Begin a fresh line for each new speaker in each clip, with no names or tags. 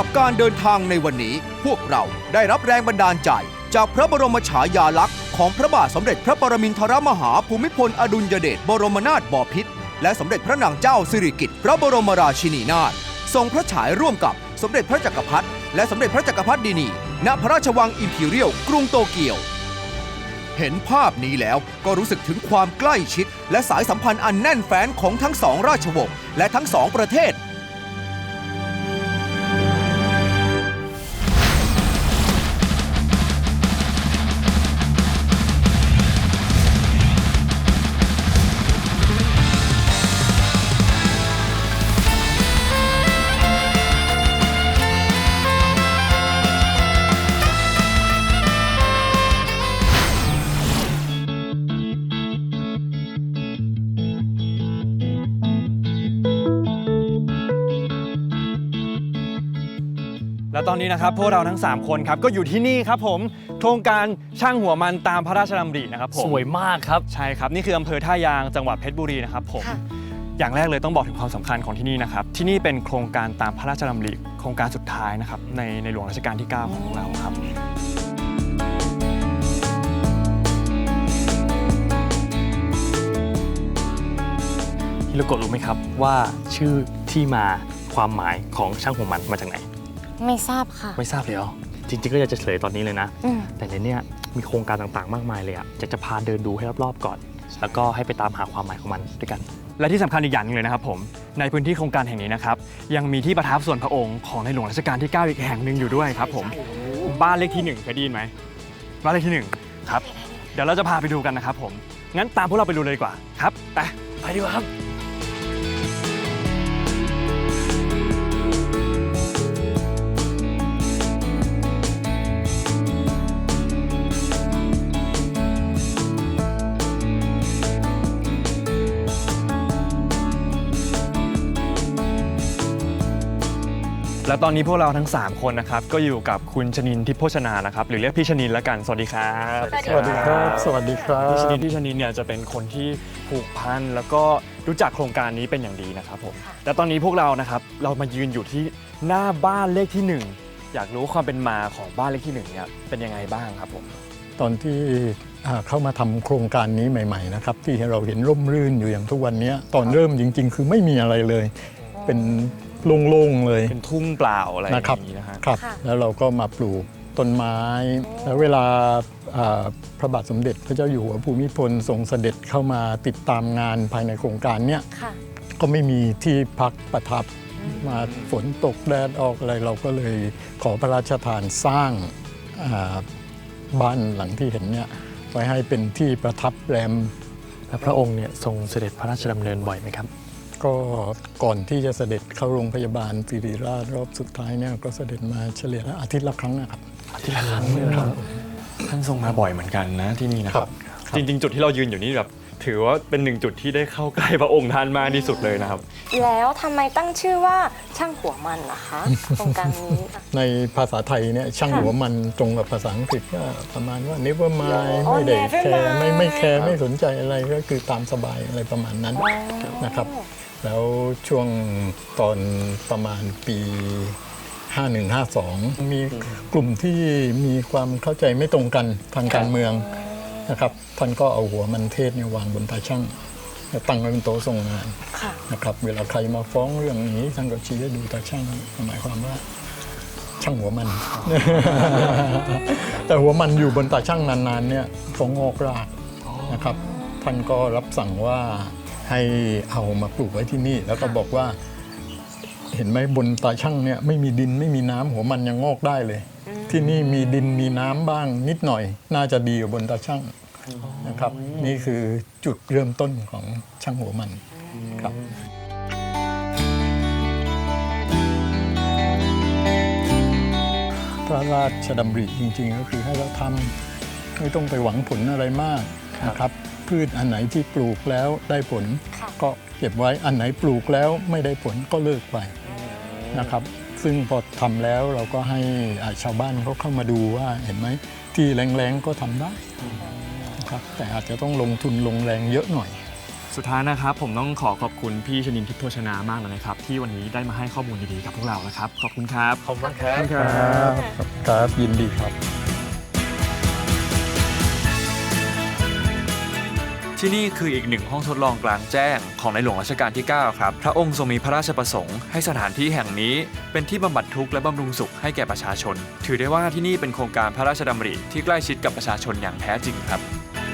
รับการเดินทางในวันนี้พวกเราได้รับแรงบันดาลใจจากพระบรมฉายาลักษณ์ของพระบาทสมเด็จพระปรมินทรมหาภูมิพลอดุลยเดชบรมนาถบพิตรและสมเด็จพระนางเจ้าสิริกิติ์พระบรมราชินีนาถทรงพระฉายร่วมกับสมเด็จพระจักรพรรดิและสมเด็จพระจักรพรรดินีณพระราชวังอิมพีเรียลกรุงโตเกียวเห็นภาพนี้แล้วก็รู้สึกถึงความใกล้ชิดและสายสัมพันธ์อันแน่นแฟ้นของทั้งสองราชวงศ์และทั้งสองประเทศ
และตอนนี้นะครับพวกเราทั้ง3คนครับก็อยู่ที่นี่ครับผมโครงการช่างหัวมันตามพระราชดำรินะครับผม
สวยมากครับ
ใช่ครับนี่คืออำเภอท่ายางจังหวัดเพชรบุรีนะครับผมอย่างแรกเลยต้องบอกถึงความสำคัญของที่นี่นะครับที่นี่เป็นโครงการตามพระราชดำริโครงการสุดท้ายนะครับในหลวงรัชกาลที่ 9 ของเราครับ
ฮิโรโกะรู้ไหมครับว่าชื่อที่มาความหมายของช่างหัวมันมาจากไหน
ไม่ทราบค่ะ
ไม่ทราบเลยเหรอจริงๆก็อยากจะเฉลยตอนนี้เลยนะแต่ในนี้มีโครงการต่างๆมากมายเลยอ่ะอยากจะพาเดินดูให้รอบๆก่อนแล้วก็ให้ไปตามหาความหมายของมันด้วยกัน
และที่สำคัญอีกอย่างนึงเลยนะครับผมในพื้นที่โครงการแห่งนี้นะครับยังมีที่ประทับส่วนพระองค์ของในหลวงรัชกาลที่ 9อีกแห่งหนึ่งอยู่ด้วยครับผมบ้านเลขที่1เคยได้ยินไหมบ้านเลขที่1ครับเดี๋ยวเราจะพาไปดูกันนะครับผมงั้นตามพวกเราไปดูเลยดีกว่าครับไปดีกว่าครับและตอนนี้พวกเราทั้ง3คนนะครับก็อยู่กับคุณชนินทิพย์โภชนานะครับหรือเรียกพี่ชนินแล้วกันสวัสดีครับ
สวัสดีครับสวัสดีครับ
พี่ชนินเนี่ยจะเป็นคนที่ผูกพันแล้วก็รู้จักโครงการนี้เป็นอย่างดีนะครับผมและตอนนี้พวกเรานะครับเรามายืนอยู่ที่หน้าบ้านเลขที่1อยากรู้ความเป็นมาของบ้านเลขที่1เนี่ยเป็นยังไงบ้างครับผม
ตอนที่เข้ามาทำโครงการนี้ใหม่ๆนะครับที่เราเห็นร่มรื่นอยู่อย่างทุกวันนี้ตอนเริ่มจริงๆคือไม่มีอะไรเลยเป็นโล่งๆเลย
เป็นทุ่งเปล่าอะไรอย่างนี้
นะครับแล้วเราก็มาปลูกต้นไม้แล้วเวลาพระบาทสมเด็จพระเจ้าอยู่หัวภูมิพลทรงเสด็จเข้ามาติดตามงานภายในโครงการเนี้ยก็ไม่มีที่พักประทับมาฝนตกแดดออกอะไรเราก็เลยขอพระราชทานสร้างบ้านหลังที่เห็นเนี่ยไว้ให้เป็นที่ประทับแรม
และพระองค์เนี่ยทรงเสด็จพระราชดำเนินบ่อยไหมครับ
ก็ก่อนที่จะเสด็จเข้าโรงพยาบาลศิริราชรอบสุดท้ายเนี่ยก็เสด็จมาเฉลี่ยอาทิตย์ละครั้งนะครับ
อาทิตย์ละครั้งเลยครับ
ท่านทรงมาบ่อยเหมือนกันนะที่นี่นะครับจริงๆจุดที่เรายืนอยู่นี่แบบถือว่าเป็น1จุดที่ได้เข้าใกล้พระองค์ท่านมากที่สุดเลยนะครับ
แล้วทำไมตั้งชื่อว่าช่างหัวมันล่ะคะโครงการนี้
ในภาษาไทยเนี่ยช่างหัวมันตรงกับภาษาอังกฤษก็ประมาณว่า never mind ไม่ได้แคร์ไม่แคร์ไม่สนใจอะไรก็คือตามสบายอะไรประมาณนั้นนะครับแล้วช่วงตอนประมาณปี 51-52 มีกลุ่มที่มีความเข้าใจไม่ตรงกันทางการเมืองนะครับท่านก็เอาหัวมันเทศเนี่ยวางบนตาช่างตั้งไว้บนโต๊ะทรงงานนะครับเวลาใครมาฟ้องเรื่องนี้ท่านก็ชี้ให้ดูตาช่างหมายความว่าช่างหัวมัน แต่หัวมันอยู่บนตาช่างนานๆเนี่ยก็งอกรากนะครับท่านก็รับสั่งว่าให้เอามาปลูกไว้ที่นี่แล้วก็บอกว่าเห็นไหมบนตาช่างเนี่ยไม่มีดินไม่มีน้ำหัวมันยังงอกได้เลยที่นี่มีดินมีน้ำบ้างนิดหน่อยน่าจะดีกว่าบนตาช่างนะครับนี่คือจุดเริ่มต้นของช่างหัวมันครับพระราชดำริจริงๆก็คือให้เราทำไม่ต้องไปหวังผลอะไรมากนะครับพืชอันไหนที่ปลูกแล้วได้ผลก็เก็บไว้อันไหนปลูกแล้วไม่ได้ผลก็เลิกไปนะครับซึ่งพอทำแล้วเราก็ให้ชาวบ้านเขาเข้ามาดูว่าเห็นไหมที่แรงๆก็ทำได้นะครับแต่อาจจะต้องลงทุนลงแรงเยอะหน่อย
สุดท้ายนะครับผมต้องขอบคุณพี่ชนินทิพย์โภชนามากเลยนะครับที่วันนี้ได้มาให้ข้อมูลดีๆกับพวกเรานะครับขอบคุณครับ
ขอบคุณครับ
ครับยินดีครับ
ที่นี่คืออีกหนึ่งห้องทดลองกลางแจ้งของในหลวงรัชกาลที่ 9 ครับ พระองค์ทรงมีพระราชประสงค์ให้สถานที่แห่งนี้เป็นที่บำบัดทุกข์และบำรุงสุขให้แก่ประชาชน ถือได้ว่าที่นี่เป็นโครงการพระราชดำริที่ใกล้ชิดกับประชาชนอย่างแท้จริงครับ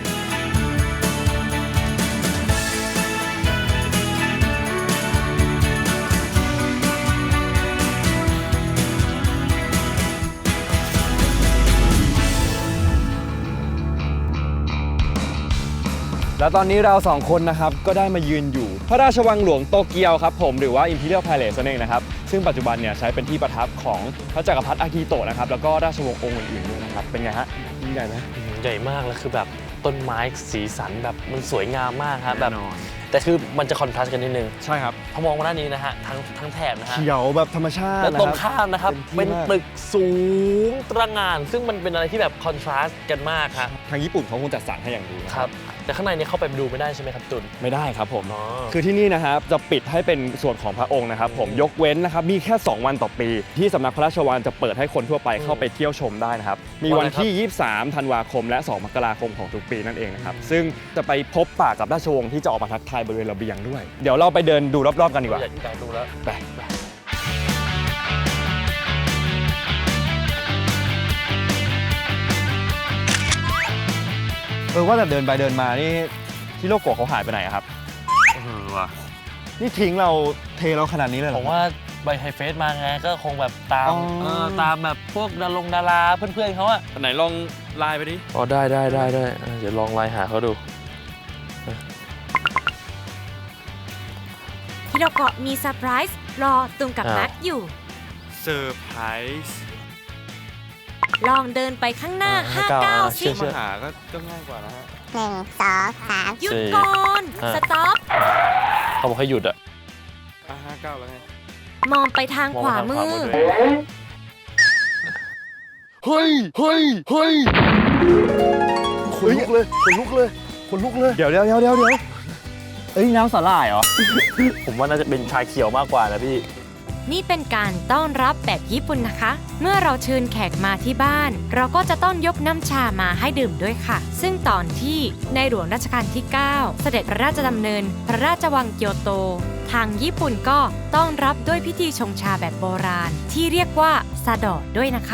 แล้วตอนนี้เราสองคนนะครับก็ได้มายืนอยู่พระราชวังหลวงโตเกียวครับผมหรือว่า Imperial Palace นั่นเองนะครับซึ่งปัจจุบันเนี่ยใช้เป็นที่ประทับของพระจักรพรรดิอากิโตะนะครับแล้วก็ราชวงศ์องค์อื่นๆด้วยนะครับเป็นไงฮะยิ่งใหญ่ไหม
ใหญ่มากแล้วคือแบบต้นไม้สีสันแบบมันสวยงามมากครับแบบ
แน่นอน
แต่คือมันจะคอนทราสต์กันนิดนึง
ใช่ครับ
พอมองมาด้านนี้นะฮะทั้งแถบนะฮะ
เขียวแบบธรรมชาติ
แล้วตรง
นะครับ
ข้ามนะครับ
เป็
เป็น น
ที่มาก
ตึกสูงตระหง่าน ซึ่งมันเป็นอะไรที่แบบคอนทราสต์กันมากครับ
ทางญี่ปุ่นเขาคงจัดสรรให้อย่างดีนะครับ
แต่ข้างในเนี่ยเข้าไปดูไม่ได้ใช่ไหมครับตุล
ไม่ได้ครับผม
อ๋อ
คือที่นี่นะครับจะปิดให้เป็นส่วนของพระองค์นะครับผมยกเว้นนะครับมีแค่ 2 วันต่อปี ที่สำนักพระราชวังจะเปิดให้คนทั่วไปเข้าไปเที่ยวชมได้นะครับมีวันที่ 23 ธันวาคมและ 2 มกราคมของทุกปีนั่นเองนะครับซึ่งจะไปพบปะกับราชวงศ์ที่จะออกมาทักทายบริเวณระเบียงด้วยเดี๋ยวเราไปเดินดูรอบๆกันดีกว่า
อยากดูแล้ว
ไปว่าแต่เดินไปเดินมานี่ที่โลโก้เขาหายไปไหนอะครับ
ว่ะ
นี่ทิ้งเราเทเราขนาดนี้เลยเหร
ผ
อ
มว่าใบไฮเฟสมาไงก็คงแบบตาม
อ๋อ
ตามแบบพวกดาราเพื่อนๆเขาอะ
ไหนลองไลน์ไปดิ
อ๋อได้เดี๋ยวลองไลน์หาเขาดู
ฮิโรโกะมีเซอร์ไพรส์รอตุงกับ
อ้าว
นัดอยู่
เซอร์ไพรส์
ลองเดินไปข้างหน้า 59 สิ
มาหาก็ง่ายกว่านะฮะ
หยุดก่อน สต็อป
เขาบอกให้หยุดอะ
59 แล้วไง
มองไปทางขวามือ
เฮ้ยขนลุกเลย เดี๋ยวเอ้ยน้ำสาหร่ายเหรอ
ผมว่าน่าจะเป็นชาเขียวมากกว่านะพี่
นี่เป็นการต้อนรับแบบญี่ปุ่นนะคะ เมื่อเราเชิญแขกมาที่บ้าน เราก็จะต้องยกน้ำชามาให้ดื่มด้วยค่ะ ซึ่งตอนที่ในหลวงรัชกาลที่ 9 เสด็จพระราชดำเนิน พระราชวังเกียวโต ทางญี่ปุ่นก็ต้อนรับด้วยพิธีชงชาแบบโบราณ ที่เรียกว่าซาดอด้วยนะคะ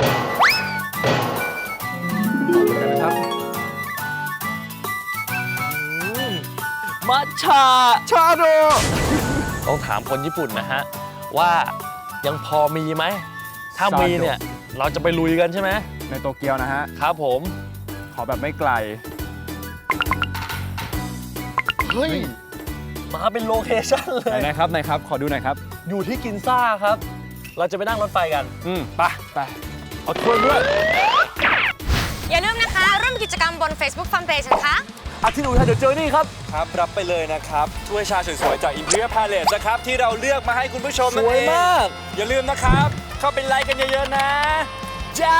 มัทฉะชาโดต้องถามคนญี่ปุ่นนะฮะ ว่ายังพอมีไหม ถ้ามีเนี่ย เราจะไปลุยกันใช่ไหม
ในโตเกียวนะฮะ
ครับผม
ขอแบบไม่ไกล
เฮ้ย มาเป็นโลเคชั่นเลย
ไหนครับ ขอดูหน่อยครับ
อยู่ที่กินซ่าครับ เราจะไปนั่งรถไฟกัน
ไปเอาถ้วยด้วย
อย่าลืมนะคะ ร่วมกิจกรรมบน Facebook Fanpage นะคะ
อาทิตย์หนูไทยเดี๋ยวเจอนี่ครับ
ครับรับไปเลยนะครับถ้วยชาสวยๆจาก Imperial Palace นะครับที่เราเลือกมาให้คุณผู้ชม
ส
นั่น
วย
เอง
มาก
อย่าลืมนะครับ เข้าไปไลค์กันเยอะๆนะ
จ้า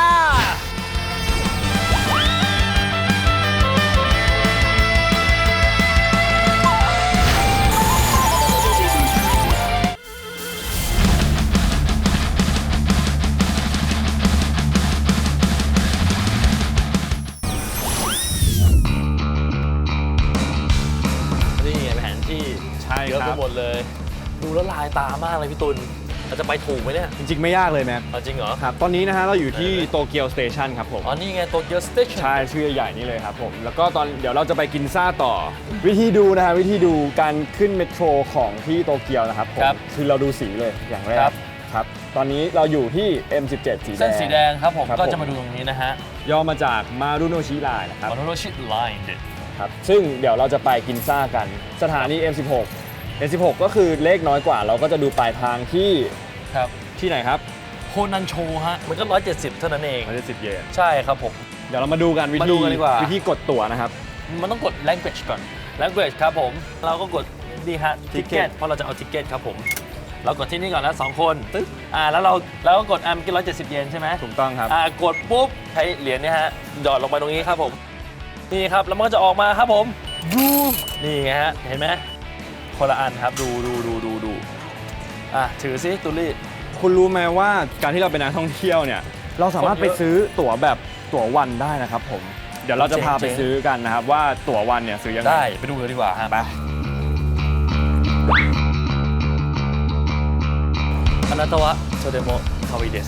นี่ไงแผนที่
ใช่
เยอะ
ค
ไป
รับ
หมดเลย ดูแล้วลายตามากเลยพี่ตุลเราจะไปถูกไหมเนี่ย
จริงๆไม่ยากเลยแม็ก
เอาจริงเหรอ
ครับ ตอนนี้นะฮะเราอยู่ที่โตเกียวสเตชันครับผม
อ๋อ นี่ไงโตเกียวสเตชัน
ใช่ชื่อใหญ่ๆนี่เลยครับผม แล้วก็เดี๋ยวเราจะไปกินซ่าต่อ วิธีดูนะฮะวิธีดูการขึ้นเมโทรของที่โตเกียวนะครับผมคือเราดูสีเลยอย่างแรกครับ ตอนนี้เราอยู่ที่ M17 สีแดง
เส้นสีแดงครับผม
ครับ
ก็จะมาดูตรงนี้นะฮะ
ย่อมาจากมารุโนชิไลน์นะครับ
มอนโรชิไลน์
ครับซึ่งเดี๋ยวเราจะไปกินซ่ากัน สถานี M16 M16 ก็คือเลขน้อยกว่า เราก็จะดูปลายทางที่
ครับ
ที่ไหนครับ
โคนันโชฮะ มันก็ 170 เท่านั้นเอง
110 เยน
ใช่ครับผม
เดี๋ยวเรามาดูกันวิ
มาดู
ธี
กันดีกว่า
วิธีกดตั๋วนะครับ
มันต้องกด language ก่อน language ครับผม เราก็กดดีฮะ ticket เพราะเราจะเอา ticket ครับผม เรากดที่นี่ก่อนแล้ว2คนตึ๊บแล้วก็กดเมื่อกี้170 เยนใช่ไหม
ถูกต้องครับ
กดปุ๊บใช้เหรียญเนี่ยฮะหยอดลงไปตรงนี้ครับผม นี่ครับ แล้วมันก็จะออกมาครับผมนี่ไงฮะ เห็นไหมคนละอันครับ ดูถือซิตุลี่
คุณรู้ไหมว่าการที่เราเป็นนักท่องเที่ยวเนี่ย เราสามารถไปซื้อตั๋วแบบตั๋ววันได้นะครับผม เดี๋ยวเราจะพาไปซื้อกันนะครับว่าตั๋ววันเนี่ยซื้อยังไง
ได้ไปดูกันดีกว่าฮะ
ไป
คานาโตะโซเดโมคาวิเดส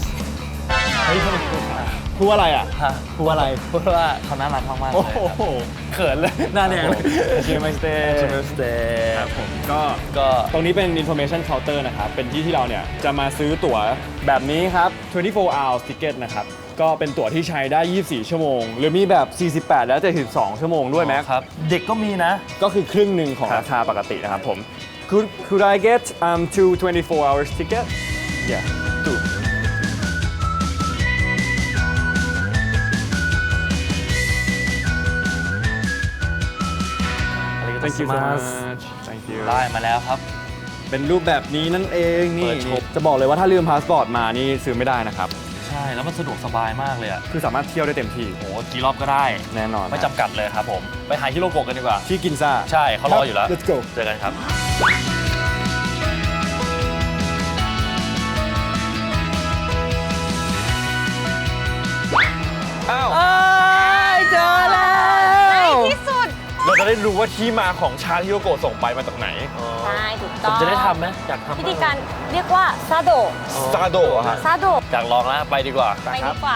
พูดอะไรอ่ะ
ฮะ
พูดอะไร
พูดว่าเขาน่ารักมากๆเลย
โอ้
ครับ
โหเขินเลยหน้าแดงเลยชิมสเตย์
ชิมสเตย์
ครับผมก็
ก็
ตรงนี้เป็น information counter นะครับ เป็นที่เราเนี่ยจะมาซื้อตั๋วแบบนี้ครับ 24 hours ticket นะครับ ก็เป็นตั๋วที่ใช้ได้ 24 ชั่วโมง หรือมีแบบ 48 และ 72 ชั่วโมงด้วยแม็ก
ครับ เด็กก็มีนะ
ก็คือครึ่งหนึ่งของราคาปกตินะครับผม Could I get two 24 hours ticket? Yeah, two. Thank you so much. Thank you.
ได้มาแล้วครับ
เป็นรูปแบบนี้นั่นเองนี่
เปิดโชว์
จะบอกเลยว่าถ้าลืมพาสปอร์ตมานี่ซื้อไม่ได้นะครับ
ใช่ แล้วมันสะดวกสบายมากเลยอ่ะ
คือสามารถเที่ยวได้เต็มที่
โหกี่รอบก็ได้
แน่นอน
ไม่จำกัดเลยครับผม ไปหาฮิโรโกะกันดีกว่า
ที่กินซ่า
ใช่เขารออยู่แล้ว
Let's go
เจอกันครับ
อ้าว
เจอแล้ว
ที่สุด
เราจะได้รู้ว่าที่มาของชาที่โยโกะส่งไปมาจากไหน
ใช่ถูก
ผ
ต้อ
ม
ง
จะได้ทำไหมอยากทำ
วิธีการเรียกว่าซาโดะ
ซาโดะฮะ
ซาโดะ
อยากลองแล้วไปดีกว่า
ไปดีกว่า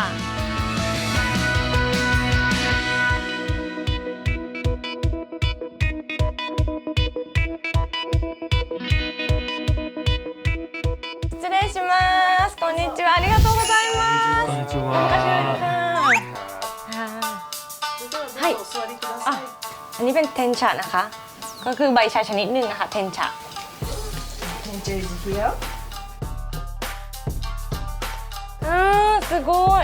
失礼します。こんにちは。ありがとうございます。こんにちは。はいあอันนี้เป็นเทนชะนะคะ ก็คือใบชาชนิดหนึ่งนะคะ เทนชะ すごい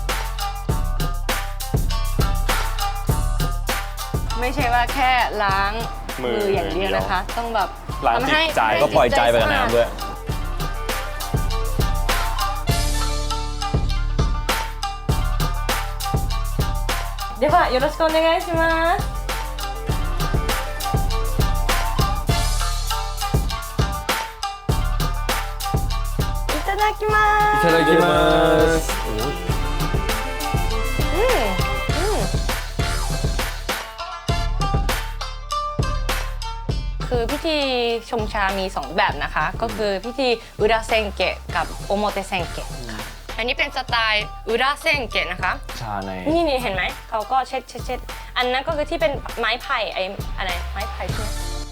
ไม่ใช่ว่าแค่ล้างมืออย่างเดียวนะคะ ต้องแบบ
ล้าง
ทำ
จิ
ให้
ตใจก็ปล่อยใจไปกับน้ำด้วย
ではよろしくお願いします。いただきます。
いただきます
คือพิธีชงชามี 2 แบบนะคะ ก็คือพิธีอุระเซนเกะกับโอโมเตเซนเกะค่ะอันนี้เป็นสไตล์อุระเซนเกะนะคะ
ชาใน
นี่เห็นไหม เขาก็เช็ดอันนั้นก็คือที่เป็นไม้ไผ่ไอ้อะไรไม้ไผ่ใช่ไหม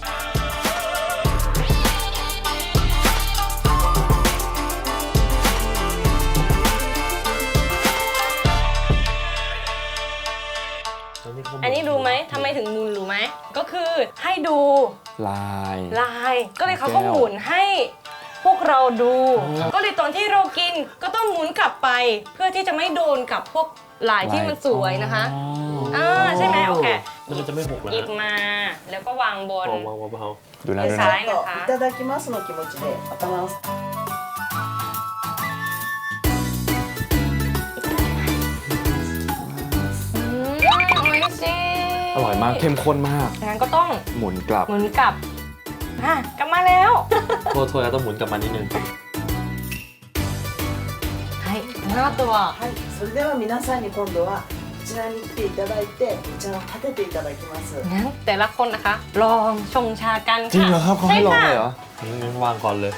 อันนี้รู้ไหมทำไมถึงหมุนรู้ไหม ก็คือให้ดู
ลาย
ลาย ก็เลยเขาก็หมุนให้พวกเราดู ก็เลยตอนที่เรากินก็ต้องหมุนกลับไป เพื่อที่จะไม่โดนกับพวกลายที่มันสวยนะคะใช่ไหมโอเค
แล้วมันจะไม่หกแล้ว
หยิบมาแล้วก็วางบน
วางเบา
ดูนะ
มือ
ดูนะ
ซ้ายนะคะ
いただきますの気持ちで頭を
โอ้ยสิ
อร่อยมากเข้มข้นมาก
งั้นก็ต้อง
หมุนกลับ
หมุนกลับกลับมาแล้ว
ๆโทษแล้วต้องหมุนกลับมานิดนึง
はいこの後は
はいそれでは皆さんに今度はこちらに来ていただいてお茶を立てていただきます
งั้นแต่ละคนนะคะ ลองชงชากันค่ะ
จริงเหรอครับเขาให้ลองเลยเหรอ
งั้นวางก่อนเลย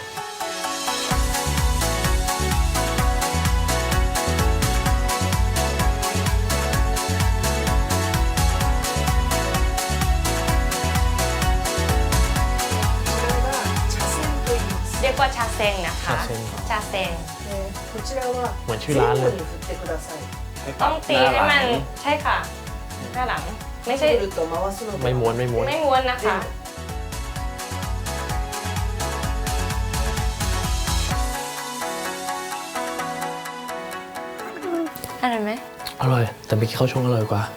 เรียกว่าชาเซงนะคะ ชาเซง
こちらは
เหมือนชื่อ
前
ร้าน
後
เลย
に振ってください
ต้องตีให้มันใช่ค่ะหน้าหลัง ไม่ใช่
ぐるっと回すので
ไม่ม้วนไม่ม้วน
ไม่ม้วนนะคะอะไรไหม
อร่อย แต่เมื่อกี้เขาชงอร่อยกว่า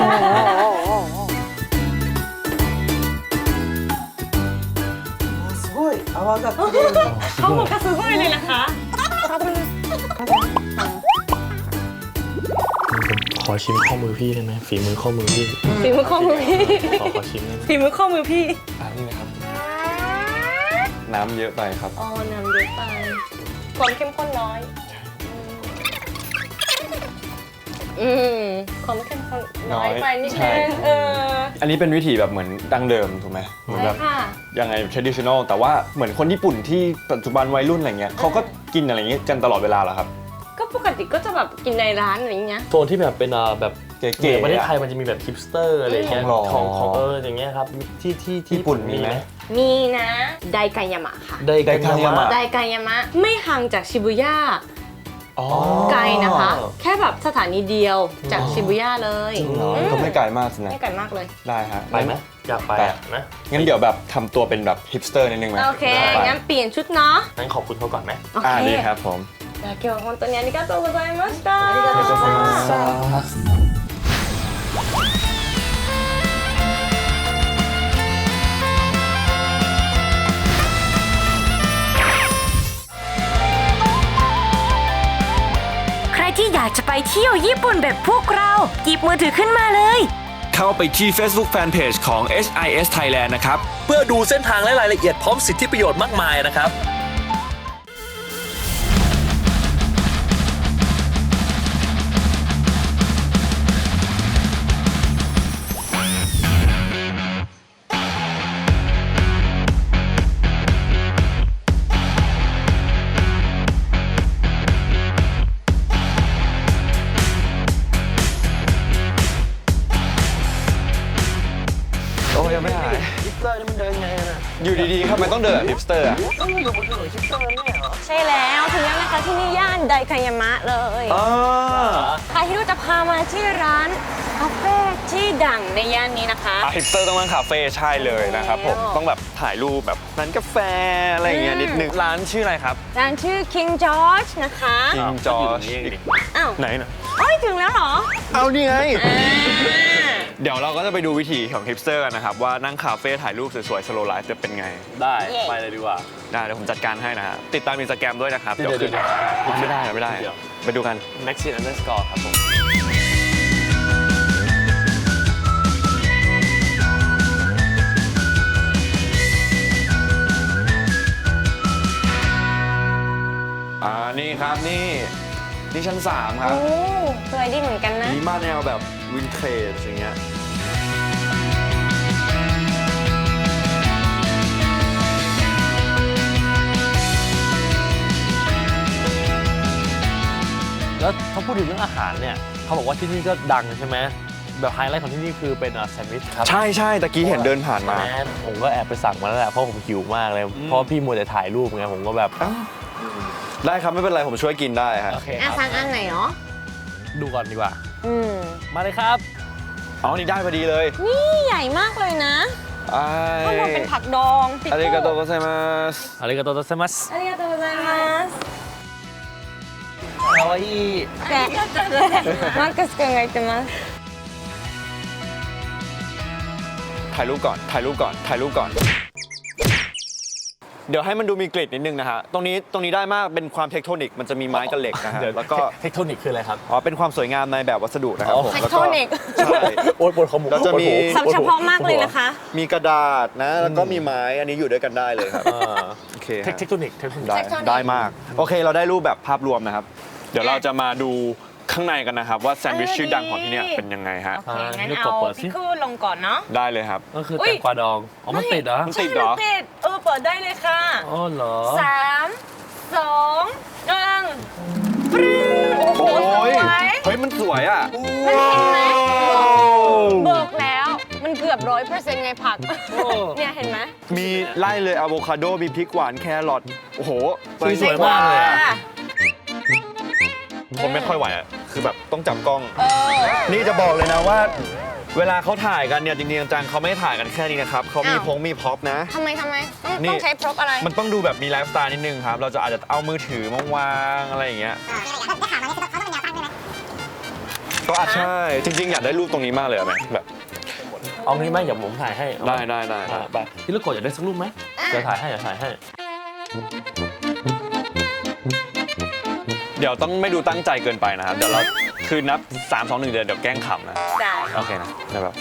すごい泡がきれいに
เขาบอกกระสือเลยนะคะ
หขอชิมข้อมือพี่ได้ไหมฝีมือข้อมือพี่
ฝีมือข้อมือพี่
ขอชิมได้ไหม
ฝีมือข้อมือพี่
นี่นะครับ น้ำเยอะไปครับ
อ๋อน้ำเยอะไปความเข้มข้นน้อยความเข้มข้นน้อยไปนิด
ใช่
นึง
อันนี้เป็นวิธีแบบเหมือนดั้งเดิมถูกไหมเหมือน
ใช่
แบบ
ค่ะ
ยังไง traditional แต่ว่าเหมือนคนญี่ปุ่นที่ปัจจุบันวัยรุ่นอะไรเงี้ยเขาก็กินอะไรอย่างเงี้ยกันตลอดเวลาเหรอครับ
ก็ปกติก็จะแบบกินในร้านอะไรอย่างเงี้ย
โซนที่แบบเป็นแบบ
เก๋ๆ
เหมือนประเทศไทยมันจะมีแบบฮิปสเตอร์อะไรอย่างเงี้ย
หรอ
ของอย่างเงี้ยครับที่
ญี่ปุ่นมีไหม
มีนะไดกายามะค่ะ
ไดกายามะ
ไดกายามะไม่ห่างจากชิบุย่า
อ๋อ
ไกลนะคะ แค่แบบสถานีเดียวจากชิบุย่าเลย
ก็ไม่ไกลมากสินะ
ไม่ไกลมากเลย
ได้ฮะ
ไปไหมอยากไปนะ
งั้นเดี๋ยวแบบทำตัวเป็นแบบฮิปสเตอร์นิดนึงไหม
โอเค
ไป
งั้นเปลี่ยนชุดเนาะ
งั้นขอบคุณเขาก่อนไหม
โอเค
ดีครับผม
じゃあ今日は本当にありがとうございました。ありが
とうございました
ใครที่อยากจะไปเที่ยวญี่ปุ่นแบบพวกเราหยิบมือถือขึ้นมาเลย
เข้าไปที่ Facebook Fanpage ของ HIS Thailand นะครับ
เพื่อดูเส้นทางและรายละเอียดพร้อมสิทธิประโยชน์มากมายนะครับ
โอ้ยังไม่หาย
ฮิปสเตอร์นี่มันเดินไงนะ
อยู่ดีๆทำไมต้องเดินแบบฮิปสเตอร์อ่ะ
ต้องอยู่บนถนนฮิปสเตอร์ไม่เหรอ
ใช่แล้วถึงแล้วนะคะที่นี่ย่านไดคายามะเลย
อ๋อ
ใครที่รู้จะพามาที่ร้านคาเฟ่ที่ดังในย่านนี้นะคะ
ฮิปสเตอร์ต้องนั่งคาเฟ่ใช่เลยนะครับผม
แล้ว
ต้องแบบถ่ายรูปแบบร้านกาแฟอะไรอย่างเงี้ยนิดนึง ร้านชื่ออะไรครับ
ร้านชื่อ King George นะคะ
King George
อ้าว
ไหนนะ
เอ้ยถึงแล้วเหรอ
เอานี่ไง
อ่า
เดี๋ยวเราก็จะไปดูวิธีของฮิปสเตอร์กันนะครับ ว่านั่งคาเฟ่ถ่ายรูปสวยๆ สโลไลฟ์จะเป็นไง
ได้ ไปเลยดีกว่า
ได้เดี๋ยวผมจัดการให้นะฮะติดตามInstagramด้วยนะครับ
เดี๋ยว
ขึ้นไม่ได้ไม่ได้
เดี๋ยว
ไปดูกัน
Maxine underscore ครับผม
นี่ครับนี่ชั้น 3 ครับ
โอ้สวยดีเหมือนกันนะ
มีมาแนวแบบวินเทจอย่างเงี้ย
แล้วเขาพูดถึงเรื่องอาหารเนี่ยเขาบอกว่าที่นี่ก็ดังใช่ไหมแบบไฮไลท์ของที่นี่คือเป็นแซนด์วิชครับ
ใช่ตะกี้เห็นเดินผ่านมา
แม่ผมก็แอบไปสั่งมาแล้วแหละเพราะผมหิวมากเลย เพราะพี่มัวแต่ถ่ายรูปไงผมก็แบบ
ได้ครับไม่เป็นไรผมช่วยกินได้ฮะ
โอเคค
อ่ะ
รับ
สั่งอันไหนเนาะ
ดูก่อนดีกว่า
อืม
มาเลยครับ
อ๋อนี่ได้พอดีเลย
นี่ใหญ่มากเลยนะข้างบนเป็นผักดองปิ
อาริ
โก้
กาโตโกไซมัส
อาริกาโตโตเซมัส
ありがとうございます
かわいい
でマックス君が言ってます
ถ่ายรูปก่อน เดี๋ยวให้มันดูมีกลิ่นนิดนึงนะฮะตรงนี้ได้มากเป็นความเทคโทนิกมันจะมีไม้กับเหล็กนะฮะ
เดี๋ยว
แล้วก็
เทคโทนิกคืออะไรครับ
อ๋อเป็นความสวยงามในแบบวัสดุนะครับ
อ๋อ
ผม
เทค
แล้ว
โทนิก
ใช่
โอ๊ยปวดขมุก
เราจะมี
สับเฉพาะมากเลยนะคะ
มีกระดาษนะแล้วก็มีไม้อันนี้อยู่ด้วยกันได้เลยครับโอเคฮะ
เทคโทนิก
ได้มากโอเคเราได้รูปแบบภาพรวมนะครับ เดี๋ยวเราจะมาดูข้างในกันนะครับว่าแซนด์วิชชื่อดังของที่เนี่ยเป็นยังไงฮะ
โอเคงั้นเอาพิคูลงก่อนเนาะ
ได้เลยครับ
ก็คือ
อุ๊
แต
ย
งกวาดองอ๋อมันติดเหรอ
มันติดเหรอ
ติดเปิดได้เลยค่ะ
อ๋อเหรอ
3 2 1ปรึ้งโอ้โหสวย
เฮ้ยมันสวยอ่ะ
มันเห็นไหมบอกแล้ว มันเกือบ100%ไงผัก เนี่ยเห็นไหม
มีไล่เลยอะโวคาโดมีพริกหวานแครอทโอ้โห
สวยมากเลยอะ
ผมไม่ค่อยไหวอ่ะคือแบบต้องจับกล้อง นี่จะบอกเลยนะว่า เวลาเขาถ่ายกันเนี่ยจริงๆจังๆเขาไม่ถ่ายกันแค่นี้นะครับเขามี
อ้าว
มีพ็อปนะ
ทำไมต้อง
นี่
ใช้พร็อพอะไร
มันต้องดูแบบมีไลฟ์สไตล์นิดนึงครับ เราจะอาจจะเอามือถือมาวางอะไรอย่างเงี้ยก็อาจใช่ จริงๆ อยากได้รูปตรงนี้มากเลยอะไหมแบบ
เอางี้ไหมเดี๋ยวผมถ่ายให้เอาไหม
ได้
ไปพี่ลูกโกดอยากได้สักรูปไหมเดี๋ยวถ่ายให้
เดี๋ยวต้องไม่ดูตั้งใจเกินไปนะครับ เดี๋ยวเรา
คือนับ 3 2 1 เดี๋ยวแกล้งขำนะ
ได้
โอเคนะเดี๋ยวแบบ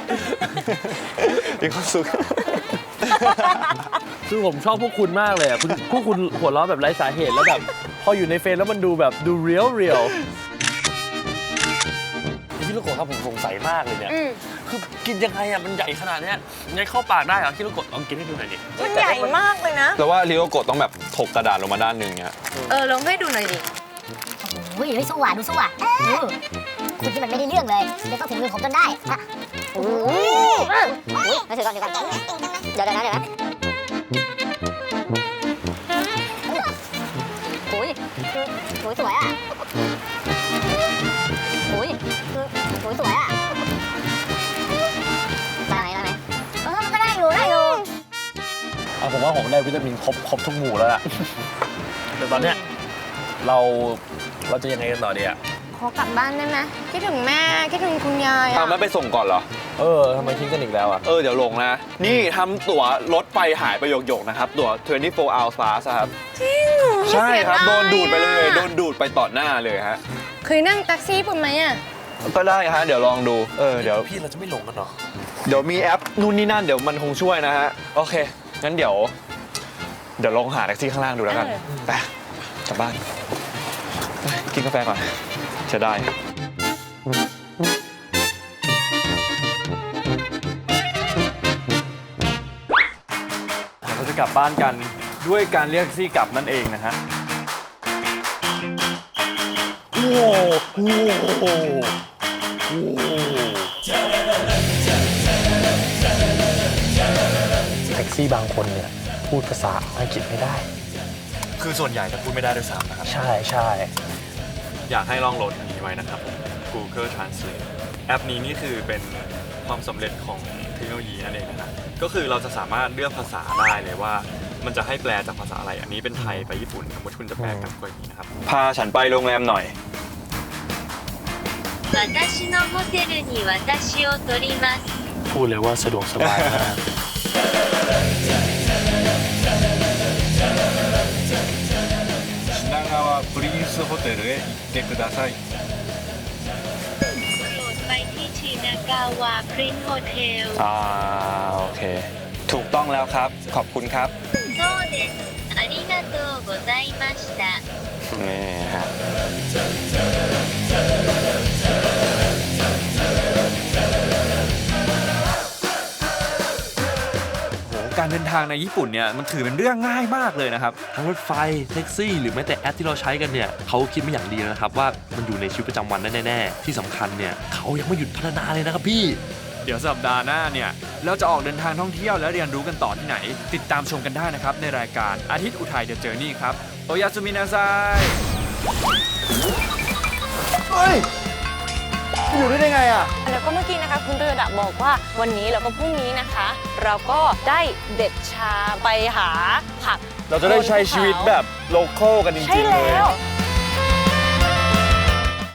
มีความสุข
คือผมชอบพวกคุณมากเลยอ่ะพวกคุณหัวเราะแบบไร้สาเหตุแล้วแบบพออยู่ในเฟรมแล้วมันดูแบบดูเรียลพี่ลูกโกะครับผมสงสัยมากเลยเนี่ยคือกินยังไงอ่ะมันใหญ่ขนาดเนี้ยยังเข้าปากได้เหรอพี่ลูกโกะลองกินให้ดูหน่อยดิ
มันใหญ่มากเลยนะ
แล้วว่าริโอโกะต้องแบบถกกระดาษลงมาด้านหนึ่งเนี่ย
ลองให้ดูหน่อยดิ
อุ้ยสู้อ่ะดูสู้อ่ะคุณที่มันไม่ได้เรื่องเลยเดี๋ยวต้องถึงมือผมจนได้อะอุ้ยมาถือก่อนเดี๋ยวนะอุ้ยสวยอ่ะอุ้ยสวยอ่ะได้ไหมมันก็ได้อยู่
ผมว่าผมได้วิตามินครบทุกหมู่แล้วล่ะแต่ตอนเนี้ยเราจะยังไงกันต่อดีอ่ะ
ขอกลับบ้านได้ไหมคิดถึงแม่คิดถึงคุณยายอะ
ไม่ไปส่งก่อนเหรอ
ทำไมทิ้งกันอีกแล้วอ่ะ
เดี๋ยวลงนะ นี่ทำตั๋วรถไฟหายไปหยกๆนะครับ ตั๋ว 24 hours pass ครับ
จริงเหรอ
ใช่ครับ โดนดูดไปเลย
อะ
โดนดูดไปต่อหน้าเลยฮะ
เคยนั่งแท็กซี่ปุ่นไหมอะ
ก็ได้ฮะ เดี๋ยวลองดู เดี๋ยว
พี่เราจะไม่หลงกันหรอ
เดี๋ยวมีแอปนู่นนี่นั่น เดี๋ยวมันคงช่วยนะฮะ โอเค งั้นเดี๋ยวลองหาแท็กซี่ข้างล่างดูแล้วกันไปกลับบ้านไปกินกาแฟก่อนจะได้ เราจะกลับบ้านกันด้วยการเรียกแท็กซี่กลับนั่นเองนะฮะ
แท็กซี่บางคนเนี่ยพูดภาษาอังกฤษไม่ได้
คือส่วนใหญ่จะพูดไม่ได้ด้วยซ้ำนะครับ
ใช่
อยากให้ลองโหลดอันนี้ไว้นะครับ Google Translate แอปนี้นี่คือเป็นความสำเร็จของเทคโนโลยีนั่นเองนะครับก็คือเราจะสามารถเลือกภาษาได้เลยว่ามันจะให้แปลจากภาษาอะไร อันนี้เป็นไทยไปญี่ปุ่นสมมติคุณจะแปลกันก็อย่างนี้นะครับ พาฉันไปโรงแรมหน่อย
私のホテルに私を取ります
พูดเลยว่าสะดวกสบายมาก
品川プリンスホテルへ行ってください。
ไปที่ชินากาวะพรินซ์โฮเทล
โอเค ถูกต้องแล้วครับ ขอบคุณครับ
そうですありがとうございました
นี่ฮะการเดินทางในญี่ปุ่นเนี่ยมันถือเป็นเรื่องง่ายมากเลยนะครับ
ทั้งรถไฟแท็กซี่หรือแม้แต่แอปที่เราใช้กันเนี่ยเขาคิดมาอย่างดีแล้วนะครับว่ามันอยู่ในชีวิตประจำวันได้แน่ๆที่สำคัญเนี่ยเขายังไม่หยุดพัฒนาเลยนะครับพี่
เดี๋ยวสัปดาห์หน้าเนี่ยเราจะออกเดินทางท่องเที่ยวและเรียนรู้กันต่อที่ไหน ติดตามชมกันได้นะครับในรายการอาทิตย์อุทัยเดอะเจอร์นี่ครับโอยาสุมินาไซเฮ้ยอยู่ได้ไงอ่ะ
แล้วก็เมื่อกี้นะคะคุณเรือดะบอกว่าวันนี้แล้วก็พรุ่งนี้นะคะ เราก็ได้เด็ดชาไปหาผัก
เราจะได้ใช้ชีวิตแบบโลคอลกันจ
ใช่
ริงๆเลย
แล้ว